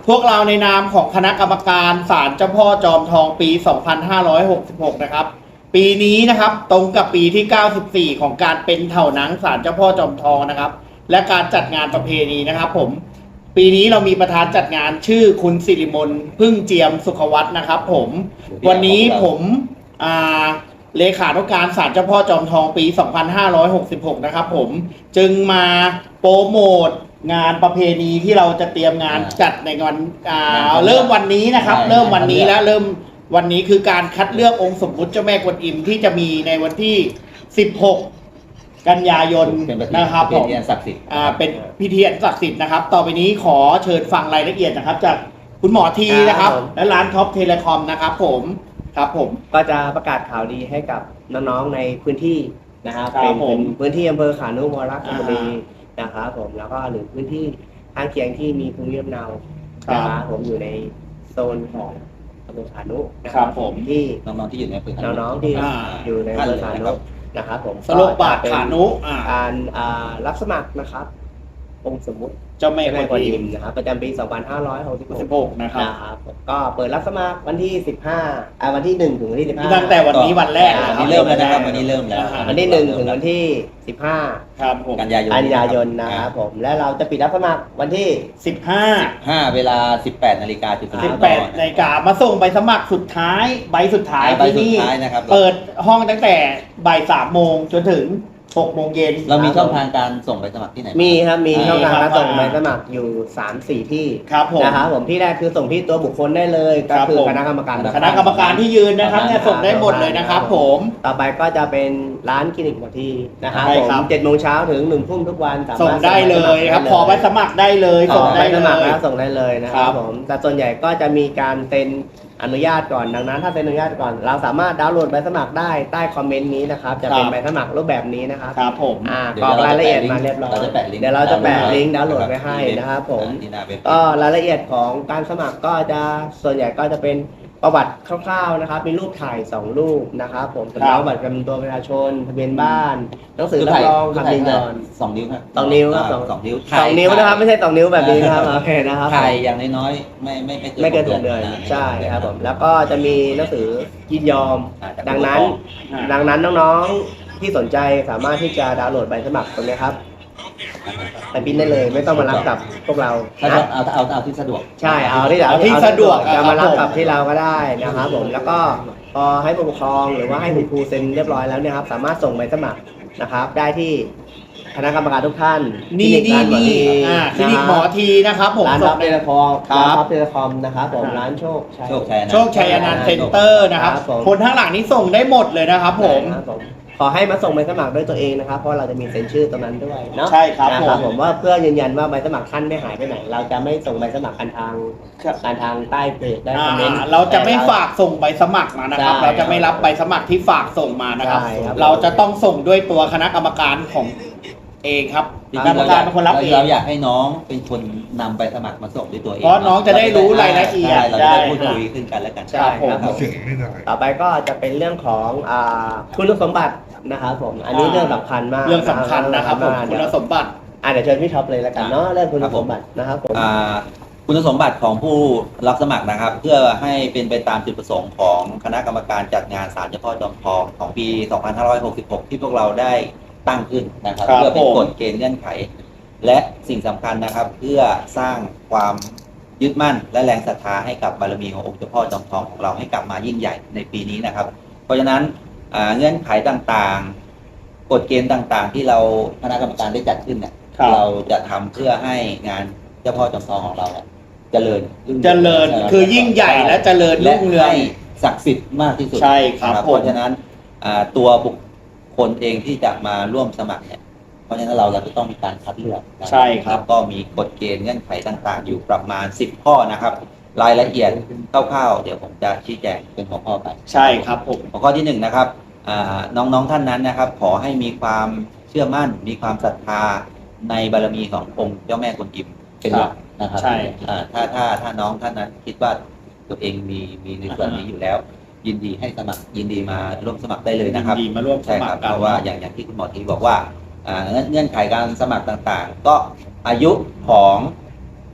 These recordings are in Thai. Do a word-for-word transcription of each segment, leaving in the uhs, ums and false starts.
พวกเราในนามของคณะกรรมการศาลเจ้าพ่อจอมทองปี สองพันห้าร้อยหกสิบหก นะครับปีนี้นะครับตรงกับปีที่ เก้าสิบสี่ ของการเป็นเถ่าหนังศาลเจ้าพ่อจอมทองนะครับและการจัดงานประเพณีนะครับผมปีนี้เรามีประธานจัดงานชื่อคุณสิริมนพึ่งเจียมสุขวัฒน์นะครับผมวันนี้ผมอ่าเลขานุการศาลเจ้าพ่อจอมทองปี สองพันห้าร้อยหกสิบหก นะครับผมจึงมาโปรโมทงานประเพณีที่เราจะเตรียมงานจัดในวันอ่าเริ่มวันนี้นะครับเริ่มวันนี้แล้วเริ่มวันนี้คือการคัดเลือกองค์สมมุติเจ้าแม่กวนอิมที่จะมีในวันที่ สิบหก กันยายนนะครับผมเป็นศักดิ์สิทธิ์อ่าเป็นพิธีอันศักดิ์สิทธิ์นะครับต่อไปนี้ขอเชิญฟังรายละเอียดนะครับจากคุณหมอทีนะครับและร้านท็อปเทเลคอมนะครับผมครับผมก็จะประกาศข่าวดีให้กับน้องๆในพื้นที่นะครับเป็นพื้นที่อำเภอขานุวรรณบุรีนะครับผมแล้วก็หรือพื้นที่ข้างเคียงที่มีภูมิลำเนานะครับผมอยู่ในโซนของอำเภอขานุนะครับผมที่น้องๆที่อยู่ในพื้นที่น้องๆที่อยู่ในอำเภอขานุนะครับผมสโลบาทขานุการรับสมัครนะครับองค์สมมุติเจ้าแม่กวนอิมนะครับประจำปี สองพันห้าร้อยหกสิบหกนะครับก็เปิดรับสมัครวันที่ สิบห้าอ่าวันที่หนึ่งถึงวันที่สิบห้าตั้งแต่วันนี้วันแรกวันนี้เริ่มแล้วนะครับวันนี้เริ่มแล้ววันที่หนึ่งถึงวันที่สิบห้าครับผมกันยายนกันยายนนะครับผมและเราจะปิดรับสมัครวันที่สิบห้าสิบห้าเวลา สิบแปดนาฬิกาจุดสิบแปดนาฬิกามาส่งใบสมัครสุดท้ายใบสุดท้ายที่นี่เปิดห้องตั้งแต่บ่ายสามโมงจนถึงหกโมงเย็นเรามีช่องทางการส่งใบสมัครที่ไหนมีครับมีช่องทางการส่งใบสมัครอยู่ สามสี่ ที่ครับผมนะครับผมที่แรกคือส่งที่ตัวบุคคลได้เลยก็คือคณะกรรมการคณะกรรมการที่ยืนนะครับเนี่ยส่งได้หมดเลยนะครับผมต่อไปก็จะเป็นร้านคลินิกหมอทีนะครับผมเจ็ดโมงเช้าถึงหนึ่งทุ่มทุกวันส่งได้เลยครับขอใบสมัครได้เลยส่งได้สมัครแล้วส่งได้เลยนะครับผมแต่ส่วนใหญ่ก็จะมีการเซ็นอนุญาตก่อนดังนั้นถ้าเซ็นอนุญาตก่อนเราสามารถดาวน์โหลดใบสมัครได้ใต้คอมเมนต์นี้นะครับจะเป็นใบสมัครรูปแบบนี้นะครับครับผมอ่ากรอกรายละเอียดมาเรียบร้อยเดี๋ยวเราจะแปะลิงก์ดาวน์โหลดไว้ให้นะครับผมก็รายละเอียดของการสมัครก็จะส่วนใหญ่ก็จะเป็นประวัติคร่าวๆนะครับมีรูปถ่ายสองรูปนะครับผมสำเนาบัตรประจำตัวประชาชนทะเบียนบ้านหนังสือรับรองคำยินยอมสองนิ้วครับสองนิ้วครับสองนิ้วสองนิ้วนะครับไม่ใช่สองนิ้วแบบนี้นะครับโอเคนะครับถ่ายอย่างน้อยๆไม่ไม่ไม่เกินหกเดือนใช่ครับผมแล้วก็จะมีหนังสือยินยอมดังนั้นดังนั้นน้องๆที่สนใจสามารถที่จะดาวน์โหลดใบสมัครตรงนี้ครับไปพิมพ์ได้เลยไม่ต้องมารับกับพวกเราเอาเอาเอาเอาที่สะดวกใช่เอาที่เอาที่สะดวกจะมารับกับที่เราก็ได้นะครับผมแล้วก็พอให้ผู้ปกครองหรือว่าให้คุณครูเซ็นเรียบร้อยแล้วเนี่ยครับสามารถส่งใบสมัครนะครับได้ที่คณะกรรมการทุกท่านนี่นี่นี่คลินิกหมอทีนะครับผมร้านท็อปเทเลคอมร้านท็อปเทเลคอมนะครับผมร้านโชคโชคชัยโชคชัยอนันต์เซ็นเตอร์นะครับคนข้างหลังนี้ส่งได้หมดเลยนะครับผมขอให้มาส่งใบสมัครด้วยตัวเองนะครับเพราะเราจะมีเซ็นชื่อตรงนั้นด้วยเนาะใช่ครับผมผมว่าเพื่อยืนยันว่าใบสมัครท่านไม่หายไปไหนเราจะไม่ส่งใบสมัครกันทางการทางใต้เพจได้คอมเมนต์เราจะไม่ฝากส่งใบสมัครมานะครับเราจะไม่รับใบสมัครที่ฝากส่งมานะครับเราจะต้องส่งด้วยตัวคณะกรรมการของเองครับกรรมการเป็นคนรับเองเราอยากให้น้องเป็นคนนำใบสมัครมาส่งด้วยตัวเองเพราะน้องจะได้รู้รายละเอียดเราจะได้พูดคุยขึ้นกันแล้วกันใช่ครับต่อไปก็จะเป็นเรื่องของคุณสมบัตินะครับผมอันนี้เรื่องสำคัญมากเรื่องสำคัญนะครับผมคุณสมบัติอ่าเดี๋ยวเชิญพี่ท็อปเลยแล้วกันเนาะเรื่องคุณสมบัตินะครับผมคุณสมบัติของผู้รับสมัครนะครับเพื่อให้เป็นไปตามจุดประสงค์ของคณะกรรมการจัดงานศาลเจ้าพ่อจอมทองของปี สองพันห้าร้อยหกสิบหก ที่พวกเราได้ตั้งขึ้นนะครับเพื่อเป็นกฎเกณฑ์เงื่อนไขและสิ่งสำคัญนะครับเพื่อสร้างความยึดมั่นและแรงศรัทธาให้กับบารมีขององค์เจ้าพ่อจอมทองของเราให้กลับมายิ่งใหญ่ในปีนี้นะครับเพราะฉะนั้นเงื่อนไขต่างๆกฎเกณฑ์ต่างๆที่เราคณะกรรมการได้จัดขึ้นเนี่ยเราจะทำเพื่อให้งานเจ้าพ่อจอมทองของเราเจริญเจริญคือยิ่งใหญ่และเจริญรุ่งเรืองศักดิ์สิทธิ์มากที่สุดใช่ครับเพราะฉะนั้นตัวบุคคนเองที่จะมาร่วมสมัครเนี่ยเพราะฉะนั้นเราเราจะต้องมีการคัดเลือกใช่ครับก็มีกฎเกณฑ์เงื่อนไขต่างๆอยู่ประมาณสิบข้อนะครับรายละเอียดคร่าวๆเดี๋ยวผมจะชี้แจงเป็นหัวข้อไปใช่ครับผมหัวข้อที่หนึ่งนะครับน้องๆท่านนั้นนะครับขอให้มีความเชื่อมั่นมีความศรัทธาในบารมีขององค์เจ้าแม่กวนอิมเป็นหลักนะครับใช่ถ้าถ้าถ้าน้องท่านนั้นคิดว่าตัวเองมีมีในส่วนนี้อยู่แล้วยินดีให้สมัครยินดีมาร่วมสมัครได้เลยนะครับยินดีมาร่วมสมัครเพราะว่าอย่างอย่างที่คุณหมอทีบอกว่าเงื่อนไขการสมัครต่างๆก็อายุของ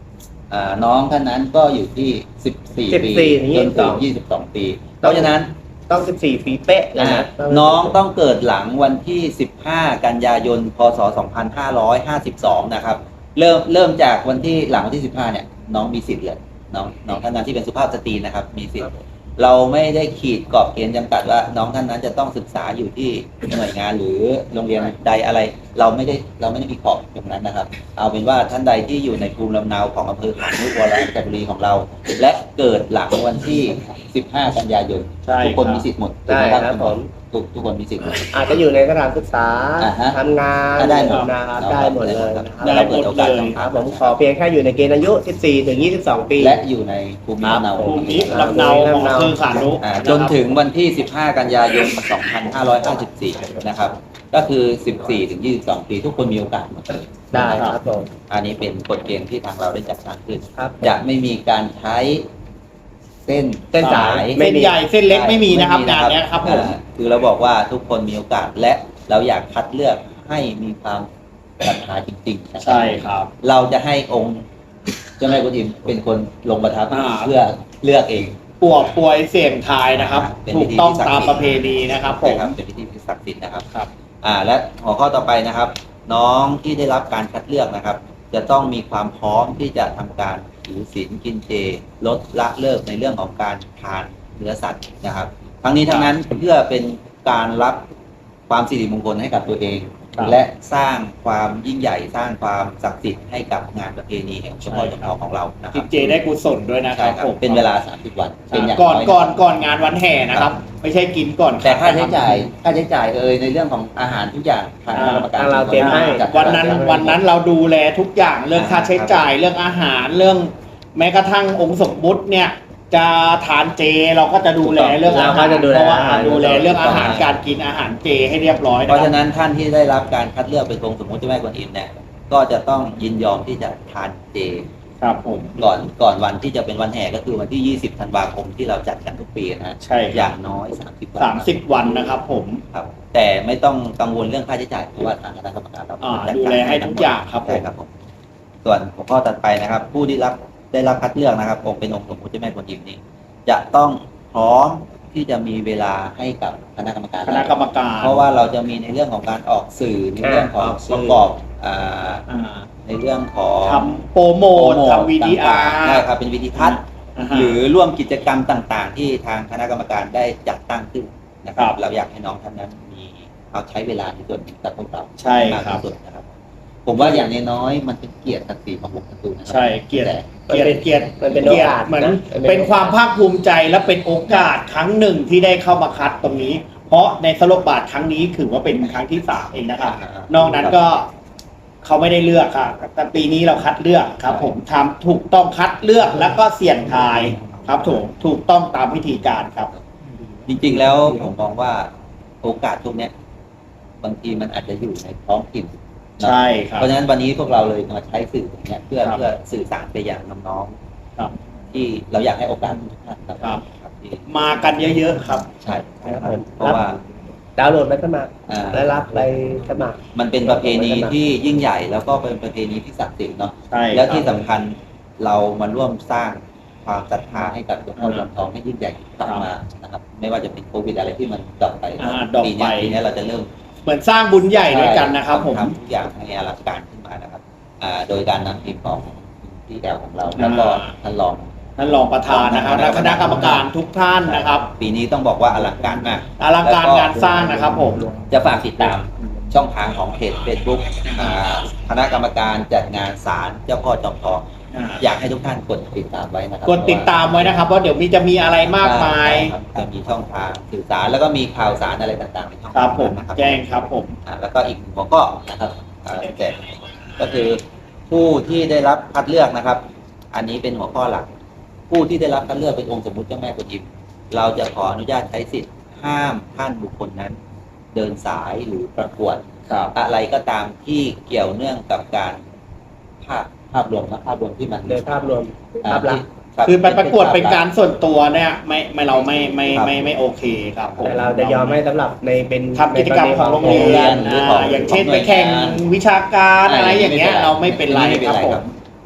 อ่าน้องท่านนั้นก็อยู่ที่สิบสี่ปีสิบสี่จนถึงยี่สิบสองปี เพราะฉะนั้นต้องสิบสี่ปีเป๊ะเลยอ่านะน้องต้องเกิดหลังวันที่สิบห้ากันยายนพศสองพันห้าร้อยห้าสิบสองนะครับเริ่มเริ่มจากวันที่หลังวันที่สิบห้าเนี่ยน้องมีสิทธิ์เลยน้องน้องท่านนั้นที่เป็นสุภาพสตรีนะครับมีสิทธิ์เราไม่ได้ขีดกรอบเกณฑ์จำกัดว่าน้องท่านนั้นจะต้องศึกษาอยู่ที่หน่วยงานหรือโรงเรียนใดอะไร เราไม่ได้เราไม่ได้มีขอบตรงนั้นนะครับ เอาเป็นว่าท่านใดที่อยู่ในภูมิลำเนาของอำเภอขานุวรจักรีของเรา และเกิดหลังวันที่สิบห้ากันยายนใช่ทุกคนครับมีสิทธิ์หมดถูกได้ไหมครับผมทุกทุกคนมีสิทธิ์หมดอาจจะอยู่ในสถานศึกษาอ่าฮะทำงานก็ได้หมดนะครับเนาะได้หมดเลยนะครับได้เราเปิดโอกาสหมดเลยครับผมขอเพียงแค่อยู่ในเกณฑ์อายุ สิบสี่ ถึง ยี่สิบสอง ปีและอยู่ในภูมิลำเนาภูมิลำเนาของอำเภอขานุอ่าจนถึงวันที่ สิบห้า กันยายน สองพันห้าร้อยห้าสิบสี่ นะครับ ก็คือ สิบสี่ ถึง ยี่สิบสอง ปี ทุกคนมีโอกาสหมดได้ครับผมอันนี้เป็นกฎเกณฑ์ที่ทางเราได้จัดสรรขึ้นครับจะไม่มีการใช้เส้นเส้นสายเส้นใหญ่เส้นเล็กไม่มีนะครับงานเนี้ยครับผมอ่าคือเราบอกว่าทุกคนมีโอกาสและเราอยากคัดเลือกให้มีความศรัทธาจริงๆนะครัใช่ครับเราจะให้องค์เจ้าแม่กุฎิมเป็นคนลงประทับอ่าเพื่อเลือกเองปวกปวยเสี่ยงทายนะครับเป็นถูพิกธีต้องที่ศักดิ์ตามสิทธิ์ประเพณีนะครับผใช่มครับเป็นพิธีที่ศักดิ์สิทธิ์นะครับครับอ่าและหัวข้อต่อไปนะครับ น้องที่ได้รับการคัดเลือกนะครับ จะต้องมีความพร้อมที่จะทำการถือศีลกินเจลดละเลิกในเรื่องของการทานเนื้อสัตว์นะครับ ทั้งนี้ทั้งนั้นเพื่อเป็นการรับความสิริมงคลให้กับตัวเองครับและสร้างความยิ่งใหญ่สร้างความศักดิ์สิทธิ์ให้กับงานประเพณีแห่งเฉพาะจำลองของเรานะคกิรับนเจได้กุศลด้วยนะคใช่รับครับผมเป็นเวลาสามสิบวันเป็นอย่างก่อนยก่อนก่อนงานวันแห่นะครับ ไม่ใช่กินก่อนแต่ค่าใช้รับจ่ายค่าใช้จ่ายเอ่ยในเรื่องของอาหารทุกอย่างทางคณะกรรมการทางเราเตรียมให้จัดวันนั้นวันนั้นเราดูแลทุกอย่างเรื่องค่าใช้จ่ายเรื่องอาหารเรื่อง แม้กระทั่งองค์สมมุติเนี่ย จะทานเจเราก็จะดูแลเรื่องอาเราหารก็จะดูแลเพราะว่าอาหารดูแลเรื่องอาหารการกินอาหารเจให้เรียบร้อยเพนะราะครัฉะบนั้นท่านที่ได้รับการคัดเลือกเป็นองค์สมมุติเจ้าแม่กวนอิมเนี่ยก็จะต้องยินยอมที่จะทานเจครับผมก่อนก่อนวันที่จะเป็นวันแห่ก็คือวันที่ยี่สิบธันวาคมที่เราจัดกันทุกปีนะฮะใช่อย่างน้อยสามสิบวันสามสิบวันนะครับผมครับแต่ไม่ต้องกังวลเรื่องค่าใช้จ่ายเพราะว่าทางคณะกรรมการเราอ่าจัดูแลให้ทุกอย่างครับผใช่มครับผมส่วนหัวข้อถัดไปนะครับ ผู้ที่รับได้รับคัดเลือกนะครับองค์เป็นองค์สมมุติเจ้าแม่กวนอิมนี้จะต้องพร้อมที่จะมีเวลาให้กับคณะกรรมการคณะกรรมการเพราะว่าเราจะมีในเรื่องของการออกสื่อในเรื่องของออกสื่ปอระกอบอ่าอ่าในเรื่องของทำโปรโมททำวีดีอาร์ใช่ครับเป็นวิดีทัศน์ หรือร่วมกิจกรรมต่างๆ ที่ทางคณะกรรมการได้จัดตั้งขึ้นนะครับครับเราอยากให้น้องท่านนั้นมีเอาใช้เวลาในส่วนนี้กับพวกเราใช่มากครับที่สุดนะครับ ผมว่าอย่างน้อยๆมันเป็นเกียรติศักดิ์ศรีของวงการ์ตูนนะครัใช่เกียรติแต่เกียรติเกียรติมันเป็นโอกาสเหมือนนะเป็นความภาคภูมิใจและเป็นโอกาสครั้งหนึ่งที่ได้เข้ามาคัดตรงนี้ เพราะในสโลบาทครั้งนี้ถือว่าเป็นครั้งที่สามเองนะครับ นอกนั้นก็เขาไม่ได้เลือกครับแต่ปีนี้เราคัดเลือกครับ ผมทำถูกต้องคัดเลือกแล้วก็เสี่ยงทายครับถูกถูกต้องตามวิธีการครับจริงๆแล้วผมมองว่าโอกาสพวกเนี้ยบางทีมันอาจจะอยู่ในท้องถิ่นใช่ครับเพราะฉะนั้นวันนี้พวกเราเลยมาใช้สื่ออย่างเนี้ยเพื่อครับเพื่อสื่อสารไปยังน้องครับๆที่เราอยากให้โอกาสทุกท่านครับครับครับที่มากันเยอะๆครับใช่ครับผมเพราะว่าดาวน์โหลดไปสมัครอ่าและรับไปสมัครมันเป็นประเพณีที่ยิ่งใหญ่แล้วก็เป็นประเพณีที่ศักดิ์สิทธิ์เนาะใช่แล้วที่ครับสำคัญเรามาร่วมสร้างความศรัทธาให้กับหลวงพ่อจอมทองให้ยิ่งใหญ่กลับมานะครับไม่ว่าจะเป็นโควิดอะไรที่มันดรอปไปอ่าดรอปปีเนี้ยไปปีเนี้ยเราจะเริ่มเหมือนสร้างบุญใหญ่ด้วยกันนะครับ ผมทำทุกอย่างให้อลังการขึ้นมานะครับอ่าโดยการนำทีมของที่แอลของเรา แล้วก็อ่าท่านรองท่านรองประธานนะครับและคณะกรรมการทุกท่านนะครับปีนี้ต้องบอกว่าอลังการมากอลังการงานสร้างนะครับผมจะฝากติดตามช่องทางของเพจ Facebook อ่าคณะกรรมการจัดงานศาลเจ้าพ่อจอมทองอ่าอยากให้ทุกท่านกดติดตามไว้นะครับกดติดตามไว้นะครับเพราะเดี๋ยวมีจะมีอะไรมากมายครับจะมีช่องทางสื่อสารแล้วก็มีข่าวสารอะไรต่างๆในช่องคทางรับผมนะครับแจ้งครับผมอ่าแล้วก็อีกหนึ่งหัวข้อนะครับอ่าแต่ก็คือผู้ที่ได้รับคัดเลือกนะครับ อันนี้เป็นหัวข้อหลัก ผู้ที่ได้รับคัดเลือกเป็นองค์สมมุติเจ้าแม่กวนอิมเราจะขออนุญาตใช้สิทธิ์ห้ามท่านบุคคลนั้น เดินสายหรือประกวดครับอะไรก็ตามที่เกี่ยวเนื่องกับการภาพภาพรวมนะภาพรวมที่มันโดยภาพรวมภาพลักษณ์รับคือไปประกวดเป็นการส่วนตัวเนี่ยไม่ไม่เราไม่ไม่ครับไม่ไม่โอเคครับผมแต่เราจะยอมให้สำหรับในเป็นทำกิจกรรมของโรงเรียนหรือของอ่าอย่างเช่นไปแข่งวิชาการอะไรอย่างเงี้ยเราไม่เป็นไรไม่เป็นครับไรผครัมบ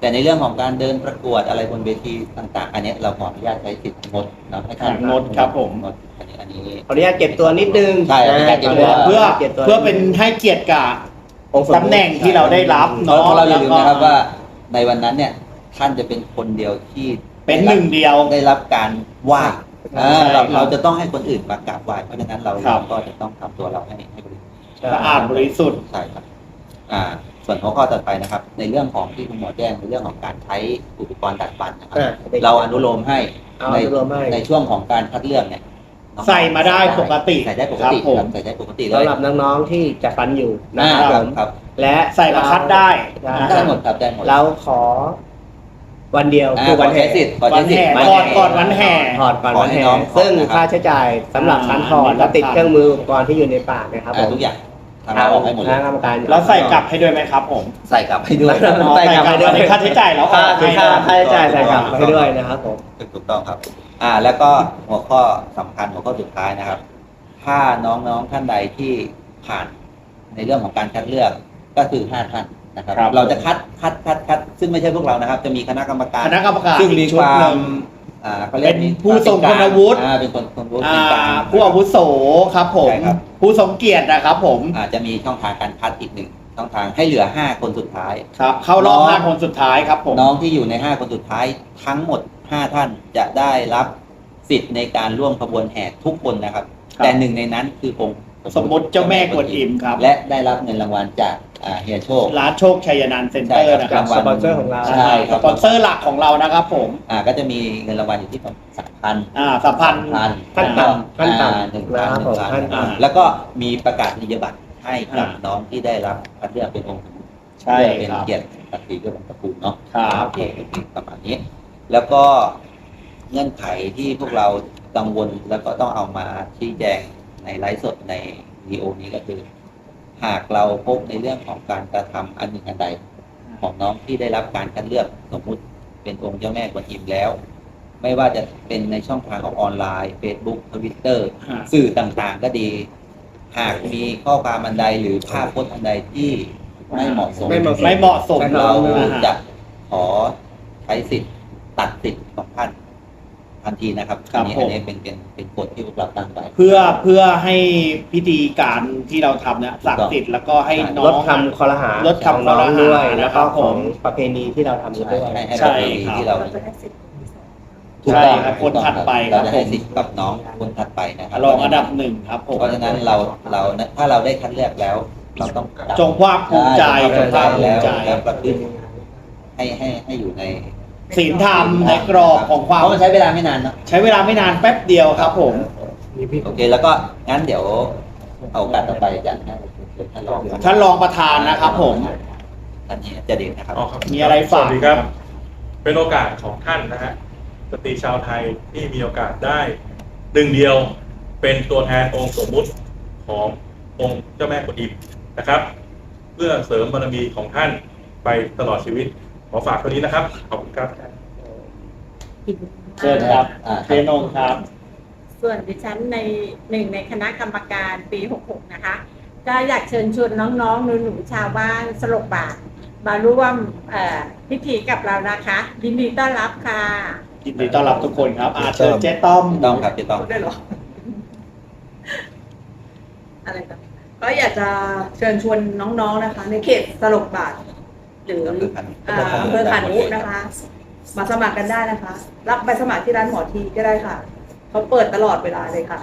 แต่ในเรื่องของการเดินประกวดอะไรบนเวทีต่างๆ อันนี้เราขออนุญาตใช้สิทธิ์งดเนาะให้ท่านงดครับผมงดอันนี้อันนี้ขออนุญาตเก็บตัวนิดนึงใช่ขออนุญาตเก็บตัวเพื่อก็บตัวเพื่อเป็นให้เกียรติกับองค์สมมุติตำแหน่งที่เราได้รับเพราะเนาะเราอย่าลืมนะครับแล้วก็ว่าในวันนั้นเนี่ยท่านจะเป็นคนเดียวที่เป็นหนึ่งเดียวได้รับการไหว้ใช่อ่าเราครับเราจะต้องให้คนอื่นมากราบไหว้เพราะฉะนั้นเราครับก็จะต้องทำตัวเราให้ให้บริสุทธิ์สะอาดบริสุทธิ์ใช่ครับอ่าส่วนหัวข้อต่อไปนะครับ ในเรื่องของที่คุณหมอแจ้งในเรื่องของการใช้อุปกรณ์ดัดฟันนะครับอ่าเราอนุโลมให้เอาในอนุโลมให้ในช่วงของการคัดเลือกเนี่ยน้องๆใส่มาได้ปกติใส่ได้ปกติครับผมครับใส่ได้ปกติเลยสำหรับน้องๆที่จะฟันอยู่นะอ่าครับคผรับมครับและใส่มาคัดได้เรานะได้หมดครับได้หมดเราขอวันเดียวอ่าคือวันขอแห่ใช้สิทธิ์ขอวัใช้นสิทแห่ธิ์ถอดก่อนวันแห่ถอดก่อนวันขอให้แห่น้องซึ่งถอดนะครับค่าใช้จ่ายสำหรับการถอดอ่าและติดเครื่องมืออุปกรณ์ที่อยู่ในปากนะครับผอ่าม ทุกอย่างทำเราออกให้หมดคเลณะยกรรมการแล้วใส่กลับให้ด้วยไหมครับผมใส่กลับให้ด้วยอ๋อใส่กลับให้ด้วยใส่กลับค่าใช้จ่ายแล้วอค่าอกให้ค่าด้วยค่าใช้จ่ายใส่กลับให้ด้วยนะครับผมถูกต้องครับ อ่า แล้วก็หัวข้อสำคัญหัวข้อสุดท้ายนะครับ ถ้าน้องๆท่านใดที่ผ่านในเรื่องของการคัดเลือกก็คือห้าท่านนะครับครับเราจะคัดคัดคัดคัดซึ่งไม่ใช่พวกเรานะครับ จะมีคณะกรรมการคณะกรรมการซึ่งมีอีกชุคดวาหนึ่มงอ่าเขาเรียกเป็นมีผู้ทรงคุณวุฒิอ่าเป็นคนคนวุฒิอ่าเป็นกลางผู้อาวุโสครับผมใช่ครับผู้ทรงเกียรตินะครับผมอาจจะมีช่องทางการคัดอีกหนึ่งช่องทางให้เหลือห้าคนสุดท้ายครับ เข้ารอบน้องห้าคนสุดท้ายครับผมน้องที่อยู่ในห้าคนสุดท้ายทั้งหมดห้าท่านจะได้รับสิทธิ์ในการร่วมขบวนแห่ทุกคนนะครับครับแต่หนึ่งในนั้นคือองค์สมมุติเจ้าแม่กวนอิมครับและได้รับเงินรางวัลจากอ่าเฮียโชคร้านโชคชัยนันท์เซ็นเตอร์ใช่นะคครัรับบสปอนเซอร์ของเราใช่คสรับปอนเซอร์หลักของเรานะครับผมอ่าก็จะมีเงินรางวัลอยู่ที่ประมาณสามพันอ่าสัมพันธ์พันขั้นต่ำขั้นต่ำหนึ่งนะพันครับหนึ่งผมพันขั้นต่ำแล้วก็มีประกาศนียบัตรให้กับอ่าน้องที่ได้รับคัดเลือกเป็นองค์สมมุติใช่เพื่อเป็นครับเกียรติศักดิ์ศรีด้วยวงตระกูลเนาะครับโอเคโอเคประมาณนี้ แล้วก็เงื่อนไขที่พวกเรากังวลแล้วก็ต้องเอามาชี้แจงในไลฟ์สดในวีดีโอนี้ก็คือ หากเราพบในเรื่องของการกระทำอันหนึ่งอันใด ของน้องที่ได้รับการคัดเลือกสมมุติเป็นองค์เจ้าแม่กวนอิมแล้ว ไม่ว่าจะเป็นในช่องทางของออนไลน์ Facebook Twitter อ่าสื่อต่างๆก็ดี หากมีข้อความอันใดหรือภาพพจน์อันใดที่ไม่เหมาะสมไม่เหมาะสไม่เหมาะสมเรานะฮะจะขอใช้สิทธิ์ตัดสิทธิ์ของท่านทันทีนะครับครับอันนี้ผมอันนี้เป็นเป็นเป็นกฎที่พวกเราตั้งไว้เพื่อเพื่อให้พิธีการที่เราทำเนี่ยศักดิ์สิทธิ์แล้วก็ให้น้ลอดงคำคอรหาลดคำของน้องคอรหาด้วย แล้วก็นะครับของผมประเพณีที่เราทำกันด้วยให้ให้ใช่ประเพณีครับที่เราเราจะได้สิทธิ์ที่สองถูกต้องใช่ครับคนถัดไปเราจะครับให้ผมสิทธิ์กับน้องคนถัดไปนะครับรองอันดับหนึ่งครับผมเพราะฉะนั้นเราเราถ้าเราได้คัดเลือกแล้ว เราต้องจงภาคภูมิใจจงภาคภูแล้มิวใจแล้วประพฤติให้ให้ให้อยู่ในศีลธรรมในกรอบของความเพราะมันใช้เวลาไม่นานเนอะใช้เวลาไม่นานแป๊บเดียวครับผมโอเค แล้วก็งั้นเดี๋ยวเอาโอกาสต่อไปจากท่านท่านรองท่านรองประธานนะครับผมท่านนี้จะเด่นนะครับอ๋อครับมีอะไรฝากสวัสดีครับ เป็นโอกาสของท่านนะฮะสตรีชาวไทยที่มีโอกาสได้หนึ่งเดียวเป็นตัวแทนองค์สมมุติขององค์เจ้าแม่กวนอิมนะครับ เพื่อเสริมบารมีของท่านไปตลอดชีวิต ขอฝากตัวนี้นะครับ ขอบคุณครับเชิญครับอ่าเชนงครับส่วนดิฉันในหนึ่งในคณะกรรมการปีหกหกนะคะ ก็อยากเชิญชวนน้องๆหนูๆชาวบ้านสลบบาทมาร่วมเอ่อพิธีกับเรานะคะ ยินดีต้อนรับค่ะยินดีต้อนรับทุกคนครับอาเชิญเจ๊ต้อมต้องครับจะต้องพูดได้เหรอ อะไรต่อก็อยากจะเชิญชวนน้องๆนะคะ ในเขตสลบบาท หรืออ่าอำเภอขานุนะคะ มาสมัครกันได้นะคะ รับใบสมัครที่ร้านหมอทีก็ได้ค่ะ เขาเปิดตลอดเวลาเลยค่ะ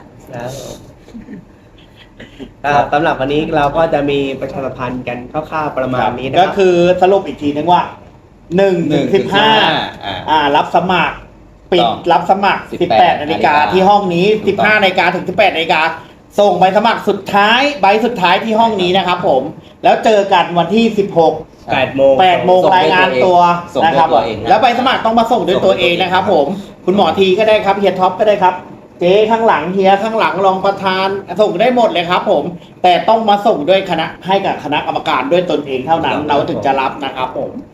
ครับสำหรับวันนี้เราก็จะมีประชาสัมพันธ์กันคร่าวๆประมาณนี้นะคก็รับคือสรุปอีกทีนึงว่าหนึ่งถึงสิบห้าอ่าอ่ารับสมัคร ปิดต้องรับสมัครสิสิบบ แปแปดดนาฬิกานาฬิกาที่ห้องนี้ถูสิกบต้องห้านาฬิกาถึงสิบแปดนาฬิกาส่งใบสมัครสุดท้ายใบสุดท้ายที่ห้องนี้นะครับผม แล้วเจอกันวันที่สิบหกแปดโมงแปดโมงส่งด้วยรายงานตัวส่งด้วยนะครับตัวเองนะแล้วใบสมัครต้องมาส่งด้วยตัวเองนะครับผม คุณหมอทีก็ได้ครับเฮียท็อปก็ได้ครับ เจ๊ข้างหลังเฮียข้างหลังรองประธานส่งได้หมดเลยครับผม แต่ต้องมาส่งด้วยคณะให้กับคณะกรรมการด้วยตนเองเท่านั้น เราถึงจะรับนะครับผม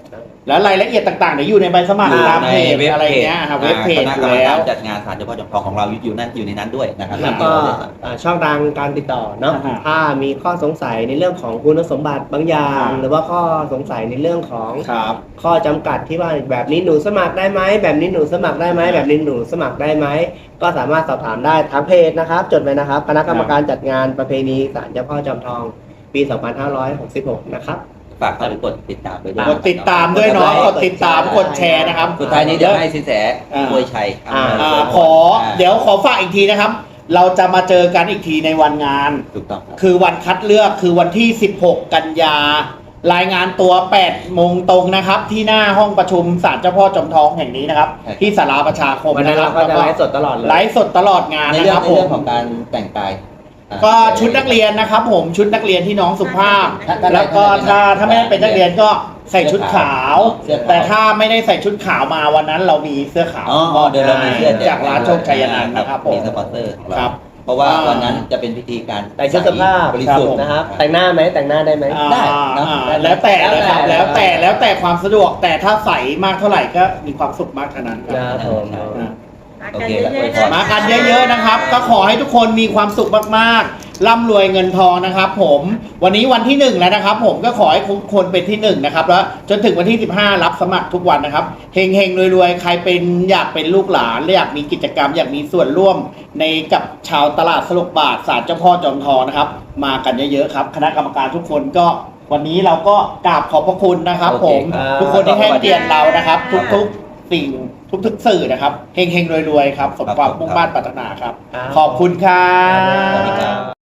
แล้วรายละเอียดต่างๆเดี๋ยวอยู่ในใบสมัครอยู่ตามในเพจเว็บอะไรเพจเงี้ยครับเว็บเพจคณะอกรรยู่มแล้กาว รจัดงานศาลเจ้าพ่อจอมทองของเราอยู่นั่นอยู่ในนั้นด้วยนะครับแล้วก็อ่าช่องทางการติดต่อเนาะอ่าฮะถ้ามีข้อสงสัยในเรื่องของคุณสมบัติบางอย่างอ่าหรือว่าข้อสงสัยในเรื่องของครับข้อจำกัดที่ว่าแบบนี้หนูสมัครได้ไหมแบบนี้หนูสมัครได้ไหมแบบนี้หนูสมัครได้ไหมก็สามารถสอบถามได้ทางเพจนะครับ จดไว้นะครับคณะกรรมการจัดงานประเพณีศาลเจ้าพ่อจอมทองปี สองพันห้าร้อยหกสิบหก นะครับฝากเข้าไปกดติดตามไปด้วยกดติดตามด้วยเนาะกดติดตามกดแชร์นะครับสุดท้ายนี้เดี๋ยวให้สินแสอ่าอวยชัยอ่าอ่าขอเดี๋ยวขอฝากอีกทีนะครับ เราจะมาเจอกันอีกทีในวันงานถูกต้องครับคือวันคัดเลือกคือวันที่ สิบหก กันยารายงานตัว แปด โมงตรงนะครับ ที่หน้าห้องประชุมศาลเจ้าพ่อจอมทองแห่งนี้นะครับใช่ที่ศาลาประชาคมวันนั้นนะคเรารับก็จะไลฟ์สดตลอดเลยไลฟ์สดตลอดงานในนะเรื่คองรับในผเรื่อมงของการแต่งกายอ่าก็ชุดนักเรียนนะครับผมชุดนักเรียนที่น้องสุภาพถ้าถ้าแล้วก็ถ้าถ้าไม่ได้เป็นนักเรียนก็ใส่ชุดขาวเสื้อขาวแต่ถ้าไม่ได้ใส่ชุดขาวมาวันนั้นเรามีเสื้อขาวอ๋ออ๋อเดี๋ยวเรามีเสื้อแจจากร้านโชคชัยนันท์นะครับผมมีสปอนเซอร์ของเราครับเพราะว่าอ่าวันนั้นจะเป็นพิธีการแต่งชุดสุภาพบริสุทธิ์นะครับ แต่งหน้าไหมแต่งหน้าได้ไหมอ่าได้นะอ่าแล้วแต่นะครับแล้แล้ววแต่แต่แล้วแต่ความสะดวกแต่ถ้าใส่มากเท่าไหร่ก็มีความสุขมากเท่านั้นคนะรับครับผมอ่ามากันเยอะๆะคะมากันเยอะๆนะครับ ก็ขอให้ทุกคนมีความสุขมากๆร่ำรวยเงินทองนะครับผมวันนี้วันที่หนึ่งแล้วนะครับ ผมก็ขอให้ทุกคนเป็นที่หนึ่งนะครับแล้วจนถึงวันที่สิบห้ารับสมัครทุกวันนะครับเฮงเฮงๆรวยๆใครเป็นอยากเป็นลูกหลานและอยากมีกิจกรรม อยากมีส่วนร่วมในกับชาวตลาดสลกบาทศาลเจ้าพ่อจอมทองนะครับ มากันเยอะๆครับคณะกรรมการทุกคนก็วันนี้เราก็กราบขอบพระคุณนะครับโอผเคมครับทุกคนที่ให้เกียรติเรานะครับ ทุกๆ สิ่งทุกๆสื่อนะครับเฮงๆรวยๆครับสมความมุ่งมั่นปรารถนาครับครับขอบคุณครัสวัสดีบครับ